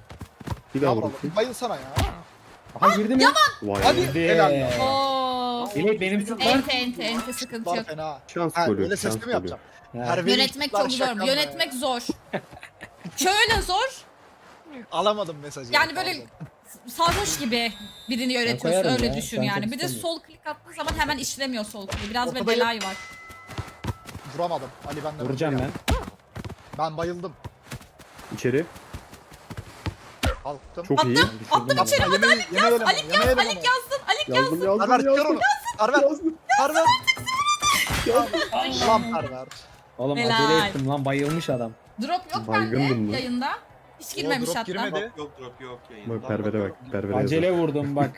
Speaker 5: Bir daha
Speaker 2: Yavrum
Speaker 5: vurursun.
Speaker 2: bayılsana ya.
Speaker 3: Aha girdi mi?
Speaker 5: Vay
Speaker 2: Hadi.
Speaker 5: be.
Speaker 3: Girdi.
Speaker 2: Helal lan.
Speaker 1: Oo.
Speaker 3: Evet benim süt var.
Speaker 1: Ente ente ente sıkıntı
Speaker 2: Var
Speaker 1: yok.
Speaker 2: fena.
Speaker 5: Şans
Speaker 2: Ha,
Speaker 5: golü.
Speaker 2: öyle
Speaker 5: Şans
Speaker 2: sesli mi
Speaker 5: golü.
Speaker 2: yapacağım?
Speaker 3: Ha.
Speaker 2: Perveri
Speaker 1: Yönetmek
Speaker 2: çocuklar
Speaker 1: çok zor.
Speaker 2: şaka mı
Speaker 1: Yönetmek
Speaker 2: ya?
Speaker 1: zor. Şöyle zor.
Speaker 2: Alamadım mesajı.
Speaker 1: Yani böyle
Speaker 2: Pardon.
Speaker 1: sarhoş gibi birini yönetiyorsun
Speaker 3: koyarım
Speaker 1: öyle
Speaker 3: ya,
Speaker 1: düşün
Speaker 3: ben
Speaker 1: yani.
Speaker 3: çok
Speaker 1: Bir de
Speaker 3: istemiyorum.
Speaker 1: sol klik attığın zaman hemen işlemiyor sol klik. Biraz ve
Speaker 2: Ortadayım.
Speaker 1: belayı var.
Speaker 2: Vuramadım. Ali benden
Speaker 3: Vuracağım
Speaker 2: önce
Speaker 3: ben.
Speaker 2: geldi. Ben bayıldım.
Speaker 5: İçeri.
Speaker 2: Kalktım.
Speaker 5: Çok iyi.
Speaker 1: Attım. Attım
Speaker 2: Yapma,
Speaker 1: içeri.
Speaker 2: yemeği-
Speaker 1: Alik
Speaker 2: yemeği
Speaker 1: yaz.
Speaker 2: eleme,
Speaker 1: Alik
Speaker 2: yemeği
Speaker 1: yaz.
Speaker 2: eleme
Speaker 1: Alik
Speaker 2: onu.
Speaker 1: yazdın. Alik
Speaker 5: Yazdım
Speaker 1: yazdın.
Speaker 5: yazdım
Speaker 2: Perver
Speaker 5: yazdım.
Speaker 2: kör onu. Perver.
Speaker 5: Yazdım.
Speaker 2: Perver. Lan perver.
Speaker 3: Oğlum
Speaker 1: Helal.
Speaker 3: acele ettim lan bayılmış adam.
Speaker 1: Drop yok
Speaker 5: Baygındım
Speaker 1: bende
Speaker 5: lan.
Speaker 1: yayında. Hiç girmemiş
Speaker 2: drop
Speaker 1: hatta.
Speaker 2: girmedi.
Speaker 6: Yok yok drop yok yayında.
Speaker 5: Bak pervere bak. Pervere yazar.
Speaker 3: Acele vurdum bak.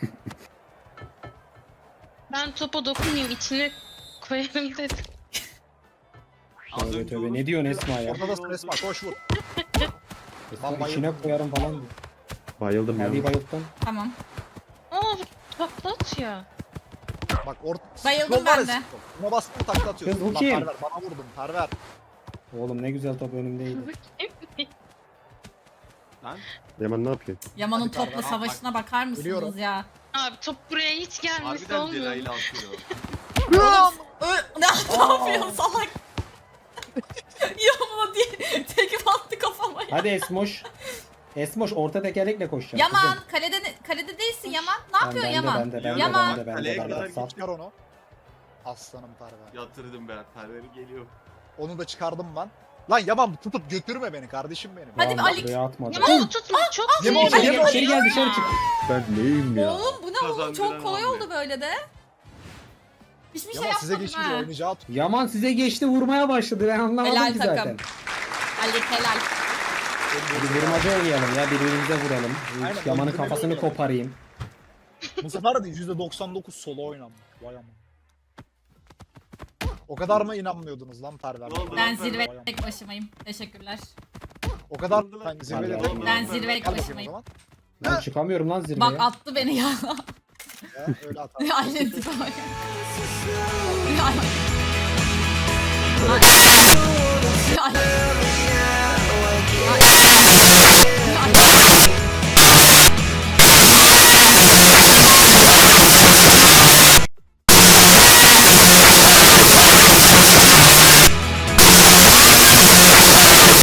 Speaker 4: Ben topa dokunmayayım içine koyarım dedim.
Speaker 6: Az
Speaker 3: Tövbe
Speaker 6: önce
Speaker 3: tövbe,
Speaker 6: onu-
Speaker 3: ne diyorsun Esma ya?
Speaker 2: Ortadasın Esma koş vur.
Speaker 3: Esma
Speaker 2: bayıldım.
Speaker 3: içine koyarım falan diyor.
Speaker 5: Bayıldım
Speaker 3: Hadi
Speaker 5: ya.
Speaker 3: bayılttın.
Speaker 1: Tamam.
Speaker 4: Aa takla atıyor.
Speaker 2: Bak or
Speaker 1: Bayıldım
Speaker 2: Scroll var
Speaker 1: ben de.
Speaker 2: ya, scroll. Buna bastın takla atıyorsun.
Speaker 3: Kız bu
Speaker 2: Lan
Speaker 3: kim?
Speaker 2: Perver bana vurdun perver.
Speaker 3: Oğlum ne güzel top önümdeydi.
Speaker 6: Lan
Speaker 5: Yaman ne yapıyorsun?
Speaker 1: Yaman'ın
Speaker 2: Hadi
Speaker 1: topla
Speaker 2: Perver,
Speaker 1: savaşına bakar mısınız
Speaker 2: Biliyorum.
Speaker 1: ya?
Speaker 4: Abi top buraya hiç gelmesi
Speaker 6: harbiden
Speaker 4: olmuyor.
Speaker 6: Celal'i atıyor.
Speaker 1: Ö ne, ne yapıyorsun salak? Yaman'a diye tekip attı kafama ya.
Speaker 3: Hadi Esmoş. Esmoş orta tekerlekle koşacağım.
Speaker 1: Yaman
Speaker 3: kızım.
Speaker 1: kalede kalede değilsin Yaman. Ne
Speaker 3: Ben-
Speaker 1: yapıyorsun
Speaker 3: bende,
Speaker 1: Yaman?
Speaker 3: Bende, bende,
Speaker 1: Yaman.
Speaker 3: bende, bende,
Speaker 6: Kaleye
Speaker 3: bende,
Speaker 6: kadar
Speaker 3: Sal.
Speaker 2: Çıkar onu. Aslanım perver.
Speaker 6: Yatırdım ben. Perveri geliyor.
Speaker 2: Onu da çıkardım ben. Lan Yaman tutup götürme beni kardeşim benim.
Speaker 1: Hadi bir
Speaker 3: Vallahi
Speaker 1: Ali-
Speaker 3: buraya atmadı.
Speaker 4: Yaman o tutma çok
Speaker 2: Yaman,
Speaker 4: sinirli.
Speaker 3: İçeri,
Speaker 2: Yaman.
Speaker 3: içeri gel dışarı çık.
Speaker 5: Ben neyim ya?
Speaker 1: Oğlum bu ne oğlum?
Speaker 6: Kazandıran
Speaker 1: Çok kolay
Speaker 6: hamle.
Speaker 1: oldu böyle de. Hiçbir şey
Speaker 2: Yaman size
Speaker 1: yapmadım
Speaker 2: geçince
Speaker 1: ha.
Speaker 2: oynayacağı tut.
Speaker 3: Yaman size geçti vurmaya başladı ben anlamadım
Speaker 1: Helal
Speaker 3: ki
Speaker 1: takım.
Speaker 3: zaten.
Speaker 1: Ali helal.
Speaker 3: Hadi vurmaca oynayalım ya birbirimize vuralım.
Speaker 2: Aynen,
Speaker 3: Yaman'ın
Speaker 2: birbirine
Speaker 3: kafasını
Speaker 2: oynayalım.
Speaker 3: koparayım.
Speaker 2: Bu sefer de yüzde doksan dokuz solo oynanmış. Vay aman. O kadar mı inanmıyordunuz lan perver?
Speaker 6: Ne oldu
Speaker 1: Ben
Speaker 6: lan
Speaker 1: zirve
Speaker 2: Vay aman.
Speaker 1: tek başımayım. Teşekkürler.
Speaker 2: O kadar
Speaker 6: Oldu lan.
Speaker 2: ben zirvede
Speaker 3: Hadi,
Speaker 2: değilim.
Speaker 3: hadi.
Speaker 1: Ben zirve tek
Speaker 2: Al bakayım o
Speaker 1: başımayım.
Speaker 2: zaman.
Speaker 3: Ben çıkamıyorum lan zirveye.
Speaker 1: Bak attı beni ya.
Speaker 2: Ya, öyle atar.
Speaker 1: Aynen tipe bak. Ya,